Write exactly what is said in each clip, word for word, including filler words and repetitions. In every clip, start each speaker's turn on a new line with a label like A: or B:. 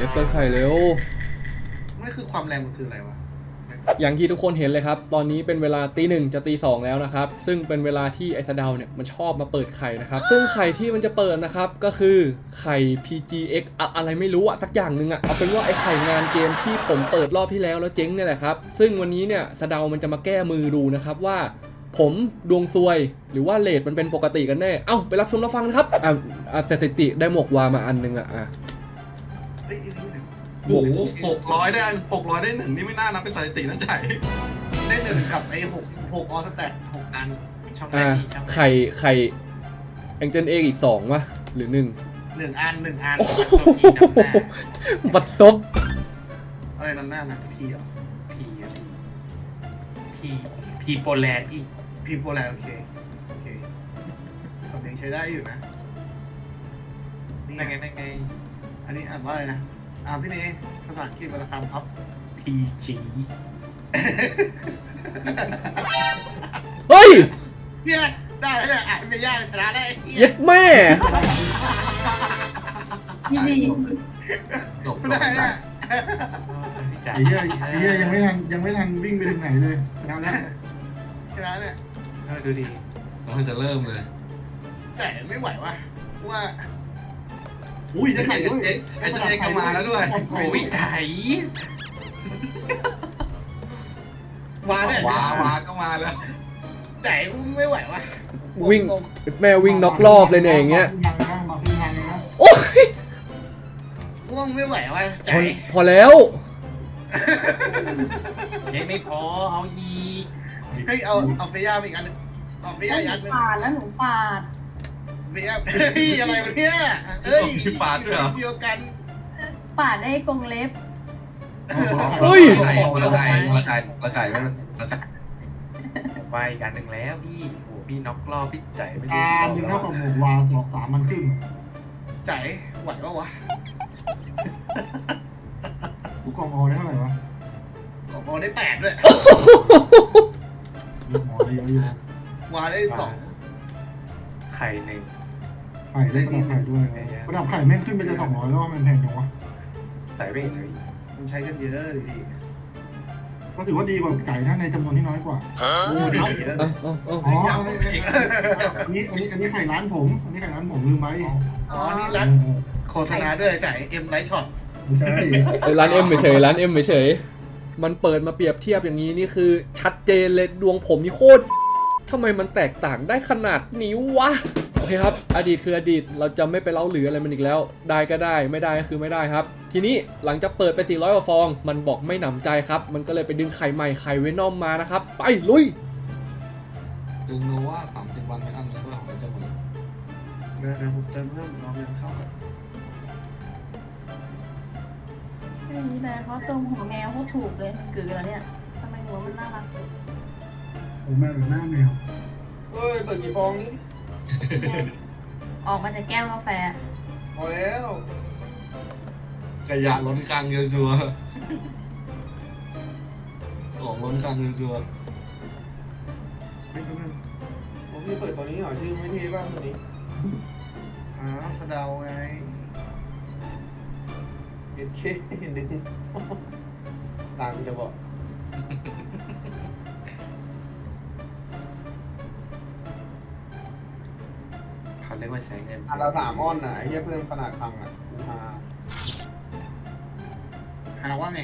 A: อฟเปิดไข่เร็ว
B: ไม่คือความแรงมันคืออะไรวะ
A: อย่างที่ทุกคนเห็นเลยครับตอนนี้เป็นเวลาตีหนึ่งจะตีสองแล้วนะครับซึ่งเป็นเวลาที่ไอ้สะเดาเนี่ยมันชอบมาเปิดไข่นะครับซึ่งไข่ที่มันจะเปิดนะครับก็คือไข่ พี จี เอ็กซ์ อะอะไรไม่รู้อะสักอย่างหนึ่งอะเอาเป็นว่าไอ้ไข่งานเกมที่ผมเปิดรอบที่แล้วแล้วเจ๊งเนี่ยแหละครับซึ่งวันนี้เนี่ยสะเดามันจะมาแก้มือดูนะครับว่าผมดวงซวยหรือว่าเลทมันเป็นปกติกันแน่เอ้าไปรับชมรับฟังนะครับอ่ะสถิติได้หมวกวามาอันนึงอะอ่ะ
B: โอ้โหหกร้อยได้หกร้อยได้หนึ่งนี่ไม่น่านับเป็นสถิตินะใจได้หนึ่งกับไอ้หกหกออสแตทหกอัน
A: ช่องอ่าไข่ไข่แองเจิลเอกอีกสองวะหรือหนึ่ง
B: หนึ่งอันหนึ่งอัน
A: บัดซบ
B: อะไรนั่นหน้านะพีเหรอ
C: พีพีพีโปแลนด์พี่
B: พีโปแลนด์โอเคโอเคสำเนียงใช้ได้อยู่นะ
C: นั่นไงนั่นไง
B: อันนี้อ่านว่าอะไรนะอ่านพี่เนยภาษาอังกฤษวรรณคำครับ
C: พี จี
A: เฮ้ย
B: เนี่ยได้แล้วเนี่ยอ่านไม่ยากชนะได้
A: เย็ดแม่
D: ยี่ดี
B: ได้เนี่ย
E: ไอ้เหี้ยไอ้เหี้ยยังไม่ทันยังไม่ทันวิ่งไปถึงไหนเลยชนะแล้ว
B: ชนะเนี่ย
C: ดูดี
F: เราจะเริ่มเลย
B: แต่ไม่ไหววะว่า
E: อุ้ยได้ไข่ด้วย
F: ไอ้เจ๊ก็มาแล้วด้วย
C: โอ้ยไข่
B: วาเนี่ยว
F: าวาก็มาแล้ว
B: แต่ไม่ไหววะ
A: วิ่งแม่วิ่งน็อกรอบเลยเนี่ยอย่างเงี้ย
B: โอ้ยว่วงไม่ไหววะใจ
A: พอแล้ว
C: ยังไม่พอเอาอีก
B: เฮ้ยเอาเอาเฟียาอีกอันนึงเอาเฟียาอีกอันนึง
D: ปาดแล้วหนูปาด
B: เฟียาเฮ้ยอะไรวะเนี่ยเฮ้ย
F: พี่ปาดด้วยเหรอ
B: เดียวกัน
D: ปาดได้กรงเล็บ
A: เฮ้ย
F: ไก่ละไก่ละไก่ละไก่ไม่ละไก่
C: ไปกันหนึ่งแล้วพี่โอ้พี่น็อกรอบพี่ใจไม่
E: ได้อ่าหนึ่งเท่ากับหกวาสองสามมันขึ้น
B: ใจไหวปะวะ
E: กูกองอได้เท่าไหร่วะ
B: กองอได้แปดด้วย
E: หมอได้เยอะอยู่
B: วาได้สอง
C: ไข่หนึ่ง
E: ไข่ได้ประดับไข่ด้วยประดับไข่แม่งขึ้นไปจะสองร้อยแล้วว่ามันแพงจังวะ
C: ใส่เร่งเลย
B: มันใช้กันเยอะดีดี
E: ก็ถือว่าดีกว่าไก่ถ้าในจำนวนที่น้อยกว่า
B: โอ้ดี
A: แล้วอ๋อ
E: อันนี้อันนี้อันนี้ไข่ร้านผมอันนี้ไข่ร้านผมลืมไว้
B: อ๋อนี่ร้านโฆษณาด้วยจ่ายเอ็มไลท์ช็อต
E: ใช่
A: ร้านเอ็มเฉยร้านเอ็มเฉยมันเปิดมาเปรียบเทียบอย่างนี้นี่คือชัดเจนเลยดวงผมนี่โคตรทำไมมันแตกต่างได้ขนาดนี้วะโอเคครับอดีตคืออดีตเราจะไม่ไปเล่าหรืออะไรมันอีกแล้วได้ก็ได้ไม่ได้ก็คือไม่ได้ครับทีนี้หลังจากเปิดไปสี่ร้อยกว่าฟองมันบอกไม่หนำใจครับมันก็เลยไปดึงไข่ใหม่ไข่เวนอมมานะครับไปลุย
F: ดึงโนว่าสามสิบวันไม่อั้นแล้วก็หายใจหมด
B: เดี๋ยวเดี๋ยวผมเติมเพิ่มรอเงินเข้าก่อน
D: นี่แหละเขาตรงหัวแมวเขาถูกเลยมันกือแล้วเนี่ยทำไมหัวมันน่ารัก
E: ผมแมวหรือหน้าแมว
B: เฮ้ยเปิดกี่ฟองนี่
D: ออกมาจากแก้วกาแฟ
B: พอแล้ว
F: ขยะล้นคลังเยอะชัวของล้นคลังเยอะชัว
B: ผมพี่เปิดตัวนี้หน่อยชื่อไม่เท่บ้างตัวนี้อ๋อสะเดาไงเห็นเคเห็นดึงตามจะบอก
C: เขาเรียกว่าใช้เงิน
B: อันละสามอ้อนน่ะไอ้เหี้ยเพิ่มขนาดคลังอ่ะหาหาว่าไง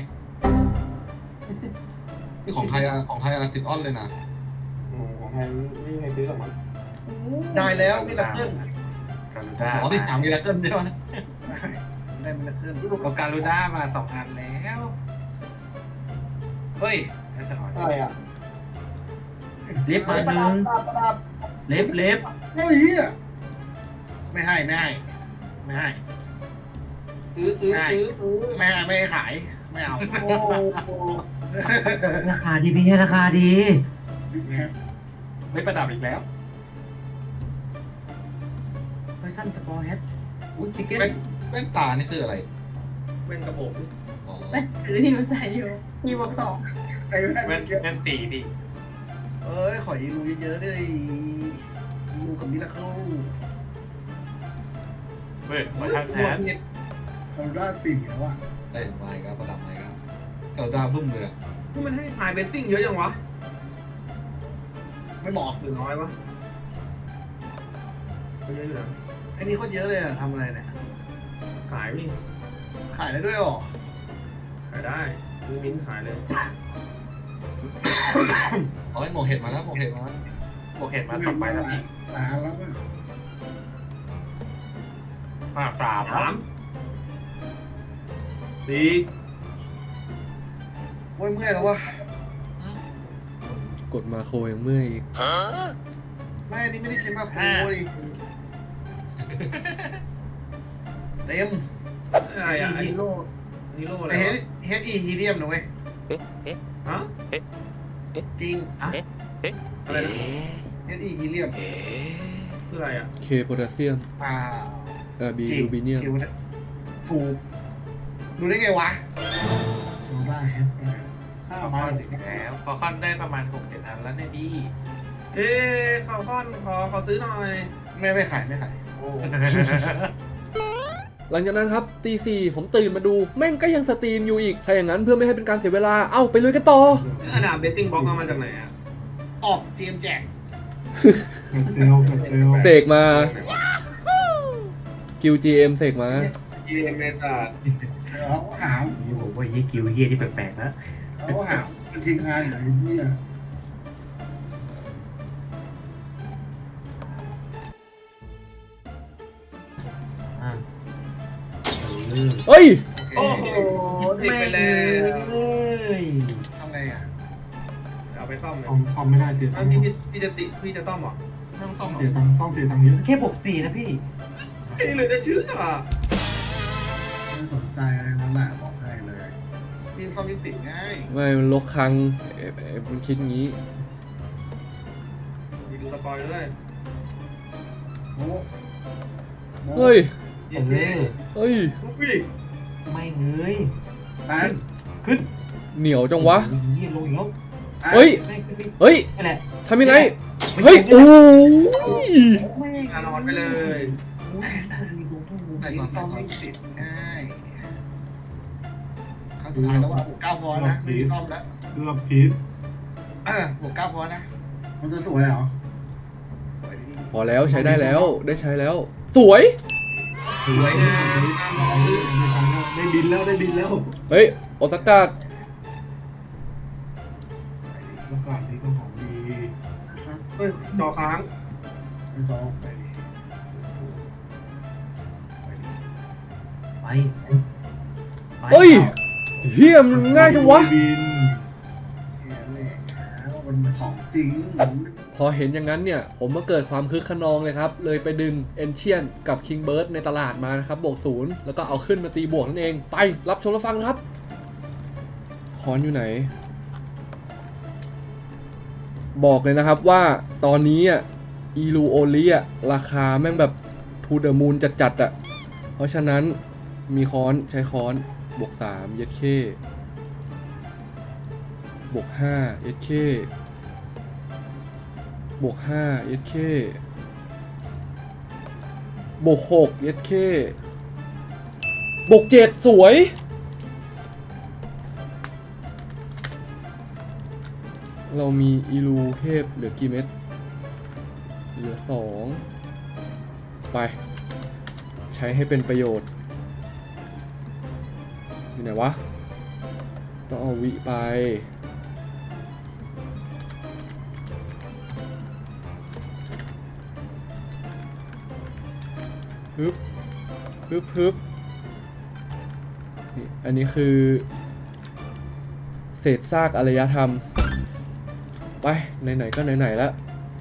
F: นี่ของไทยของไทยอะไรติดอ้อนเลยนะ
B: ของไทยไม่มีใครซื้อหรอกมั้งได้แล้วมิลาเคิล
F: อ๋อที่ถามมิลาเคิลใช่ไหม
B: ได้มิลาเคิล
C: ก็การูด้ามาสองอันแล้วเฮ้ย
B: อะไรอ่ะ
C: เล็บเปิดหนึ่งเล็บเล็บ
B: เฮ้ยไม่ให้ไม่ให้ไม่ให้ซื้อซื้อซื้อซื้อไม่ให้ไม่ขายไม่เอา
C: ราคาดีพี่ให้ราคาดีไม่ประดับอีกแล้วไฟสั้นสปอร์แฮทอุ้ยชิคเก้น
F: แว่นตานี่คืออะไร
B: แว่นกระบอก
D: แว่นถือที่หนูใส่อยู่มีบวกสอง
C: แว่นแว่นตีดิ
B: เอ้ยขอยีรูเยอะๆด้วยยีรูกับมิลาเคิล
C: เฮ้ยมาทางแทน
E: เราได้สี่แล้วอ่ะ
F: เอ้ยมาอีกแล้วประดับมาอีกแล้วเจ้าดาวบึ้มเลยอะ
C: นี่มันให้ทายเบสซิ่งเยอะจังวะ
B: ไม่บอก
C: หรือน้อยวะเยอะอยู่นะ
B: ไอ้นี่โคตรเยอะเลยอะทำอะไรเนี่ย
C: ขายพี่
B: ขายได้ด้วยเหรอ
C: ขายได้ซื้อมิ้นท์ขายเลย
F: เอาไอ้หมวกเห็ดมาแล้วหมวกเห็ดมาแล้ว
C: โอเคมาต่อไปแล้วพี่
E: ตาแล้วอ่ะ
C: ห้าสามสามสี่
B: โอ้ยเมื่อยแล้ววะ
A: กดมาโครยังเมื่อยอีก
B: ไม่อันนี้ไม่ได้ใช้มาโครดิเต็ม
C: อะไรอ่ะอันนี้โล่อันนี้โล่อะไร
B: ไอเฮ
C: วะ
B: ดเฮดอีฮีเลียมนะเว้ย
C: ฮะ
B: จริง
C: อะไรนะ
B: เฮดอีฮีเลียม
C: คืออะไรอ่ะ
A: เคโพแทสเซียม
B: อ่า
A: เอ่อบี
B: จริง
A: ลูบิเนียม
B: คิวนะถูกดูได้ไงวะ
E: เราได้แฮปได้ข้าวมาเด็ก
C: แล้วฟอลคอนได้ประมาณหกเจ็ดอันแล้วเนี่ยพี่เอ๊ะฟอลคอนขอขอซื้อหน่อย
B: ไม่ไม่ขายไม่ขาย
C: โอ้
A: หลังจากนั้นครับตีสี่ผมตื่นมาดูแม่งก็ยังสตรีมอยู่อีกถ้าอย่างนั้นเพื่อไม่ให้เป็นการเสียเวลาเอ้าไปลุยกันต่อ
C: อันดับเบสซิ่งบล็อกเอามาจากไหนอ่ะ
B: ออกเจมแจก
E: เซลเซล
A: เสกมากิวจีเอ็มเสกมา
B: เจมเมตา
E: เขาหาม
C: นี่ผมว่ายี่กิวเยี่ยที่แปลกๆนะ
E: เขาหามเป็นทีมงานไหนเนี่ย
A: เฮ้ย
B: โอ
C: โอ้
B: เค
C: โหติดไปแล้ว
B: ทำไงอ่ะ
C: เอาไปซ่อมเลย
E: ซ่อมซ่อมไม่ได้เสียตั
C: อ้าง ว
E: ค์
C: พี่พี่จะติพี่จะซ่อมเหรอ
F: ไม่ต้องซ่อมหรอก
E: เสียตังค์ต้องเสียตังค์เยอะ
C: แค่บวกสี่นะพี่พี่เหลือจะชื่ออ่ะ
E: ไม่สนใจอะไรนั่นแหละบอกให้เลย
B: ยิงซ่อมยิงติดง่าย
A: ไม่มันลกครั้งเอ๊ะเอ๊ะมันคิดงี้
C: มีดูสปอยด้วย
E: โอ้
A: เฮ้ย
C: เย้เย้
A: เฮ้ย
C: ลูกพี่
G: ไม่เงย
E: แอน
A: เหนียวจังวะ
G: ยี่ลงอีกแล้ว
A: เฮ้ย
G: ไม่ขึ้นไป
A: เฮ้ย
G: นั่นแหละ
A: ทำยังไง เฮ้ย โอ้ย
G: ไม่
C: งานนอนไปเลย
G: มีลงทุ่งลง
B: ยิงซ่อมยิงติดง่ายครั้งสุดท้ายแล้วว่าบวกเก้าพอนะไม่มีซ่อมแล้ว
E: เกือบผิด
B: เออบวกเก้าพอนะ
E: มันจะสวยเหรอ
B: สวยดี
A: พอแล้วใช้ได้แล้วได้ใช้แล้ว สวย
C: สวยงาม
E: ได้บินแล้วได้บินแล้ว
A: เฮ้ย โอซาก้า
E: แล้วก่อนนี้ก็ของดีนะครับ
C: เฮ้ยจอค้าง
E: ไม่ต้อง
B: ไปดีไปดี
G: ไป
A: เฮ้ยเฮียมันง่ายจังวะ
E: บินแหมแหละแล้วมันของจริง
A: พอเห็นอย่างนั้นเนี่ย ผมมาเกิดความคึกขนองเลยครับ เลยไปดึงเอนเชียนกับคิงเบิร์ดในตลาดมานะครับ บวกศูนย์แล้วก็เอาขึ้นมาตีบวกนั่นเอง ไปรับชมรับฟังครับ คอนอยู่ไหน บอกเลยนะครับว่าตอนนี้อ่ะอีลูโอลีอ่ะราคาแม่งแบบทูเดอร์มูนจัดๆอ่ะ เพราะฉะนั้นมีค้อนใช้ค้อนบวกสามเย็ดเคบวกห้าเย็ดเคบวกห้าเอสเคบวกหกเอสเคบวกเจ็ดสวย เรามีอีลูเทพเหลือกี่เม็ดเหลือสองไป ใช้ให้เป็นประโยชน์อยู่ไหนวะ ต้องเอาวิไปฮึบฮึบฮึบนี่อันนี้คือเศษซากอารยธรรม ไป ไหนๆก็ไหนๆแล้ว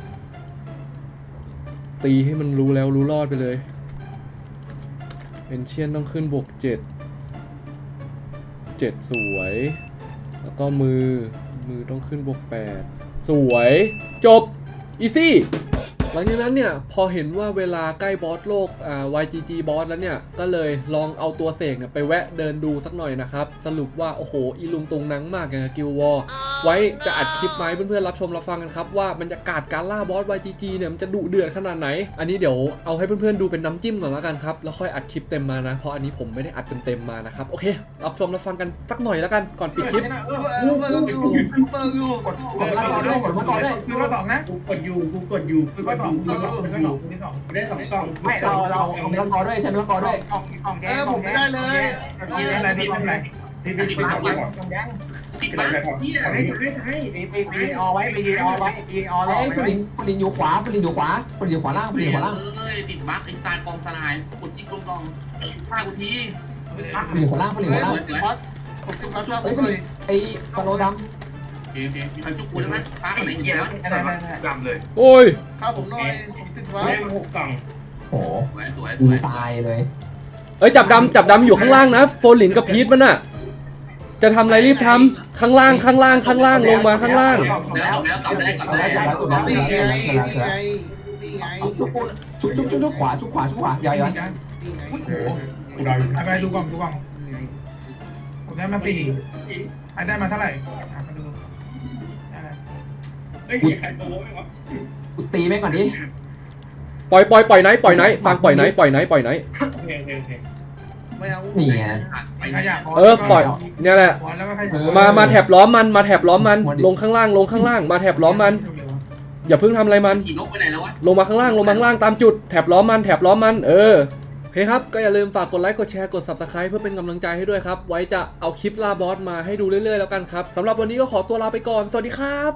A: ตีให้มันรู้แล้วรู้รอดไปเลยเอนเชียนต้องขึ้นบวกเจ็ดเจ็ดสวย แล้วก็มือมือต้องขึ้นบวกแปดสวย จบ อีซี่หลังจากนั้นเนี่ยพอเห็นว่าเวลาใกล้บอสโลกอ่า วาย จี จี บอสแล้วเนี่ยก็เลยลองเอาตัวเสกเนี่ยไปแวะเดินดูสักหน่อยนะครับสรุปว่าโอ้โหอีลุงตุงนังมากอย่างกับกิลวอร์ไว้จะอัดคลิปมาให้เพื่อนๆรับชมรับฟังกันครับว่าบรรยากาศการล่าบอส วาย จี จี เนี่ยมันจะดุเดือดขนาดไหนอันนี้เดี๋ยวเอาให้เพื่อนๆดูเป็นน้ำจิ้มก่อนแล้วกันครับแล้วค่อยอัดคลิปเต็มมานะเพราะอันนี้ผมไม่ได้อัดเต็มๆมานะครับโอเครับชมรับฟังกันสักหน่อยแล้วกันก่อนปิดคลิป
B: เปิดอยู่เปิดอยู่
G: กดกดมาต่อด้วยกดมาต่อด้วย
C: คือว่าสองนะกูกดอยู่กูกดอยู่กูกดสองกูกดสองกูกดสองกูได้สองกูได้สองกล่อง
G: ไม่เราเราเอามะละกอด้วยใช้มะละกอด้วย
C: กล่องกล่องแด
B: เอง อผมไม่ได้เลย
C: กินอะไรนี่อะไรนี่นี่เป็นของก่อน
G: กล่องแดง
C: ติดบ้านที่ไหนให้ให้
G: ปีปีปีออไว้ปีออไว้ปีออไว้คุณลินคุณลินอยู่ขวาคุณลินอยู่ขวาคุณลินอยู่ขวาล่างคุณลินอยู่ขวาล่าง
H: เอ้ยติดบั๊กไอ้สายกองสลายกดจิ๊กลงกองฆ่ากูที
G: คุณลินอยู่ขวาล่างคุณลินอ
B: เฮ้
G: ยู่
B: ย
G: ขวาล่าง
B: ผมติดบัสผมติดบัสชอบผมเลย
G: ไอ้สโลด
H: โอเคโอเคมีใครจุกกูได้ไหมฟ้าคนไหนเหี้ยแล้ว
C: ได้ได้ได้ดำเลย
A: โอ้ย
B: ข้าวผมหน่อยผมติดบัส
C: ได้มาหกกล่อง
G: ำโอ้
H: สวยสวยส
G: กู
H: วย
G: ตายเลย
A: เอ้ยจับดำจับดำอยู่ข้างล่างนะโฟลินกับพีทมันอะจะทำอะไรรีบทำข้างล่างข้างล่างข้างล่างลงมาข้างล่าง
H: แล้วแล้วกลับได้กลับได้
B: นี่ไงนี่ไงนี่ไง
G: ชุบชุบชุบชุบขวาชุบขวาชุบขวาอย่าอย่า
B: นี่ไง
C: กูได้ไปดูกล่องดูกล่องผมได้มาสี่ไอ้ได้มาเท่าไหร่มาดูเฮ้ยใครโตไหมวะ
G: กูตีแม่งก่อนดิ
A: ปล่อยปล่อยปล่อยไหนปล่อยไหนฟังปล่อยไหนปล่อยไหนปล่อยไหน
C: โอเคโอเคโอเค
B: ไม่เอา
G: นี่ไง
C: ไปขยับ
A: เออปล่อยเนี่ยแหละ
C: แล้วก็ขยับ
A: มามาแถบล้อมมันมาแถบล้อมมันลงข้างล่างลงข้างล่างมาแถบล้อมมันอย่าเพิ่งทำอะไรมัน
H: ขี่นกไปไหนแล้ววะ
A: ลงมาข้างล่างลงมาข้างล่างตามจุดแถบล้อมมันแถบล้อมมันเออโอเคครับก็อย่าลืมฝากกดไลค์กดแชร์กด ซับสไครบ์ เพื่อเป็นกำลังใจให้ด้วยครับไว้จะเอาคลิปล่าบอสมาให้ดูเรื่อยๆแล้วกันครับสำหรับวันนี้ก็ขอตัวลาไปก่อนสวัสดีครับ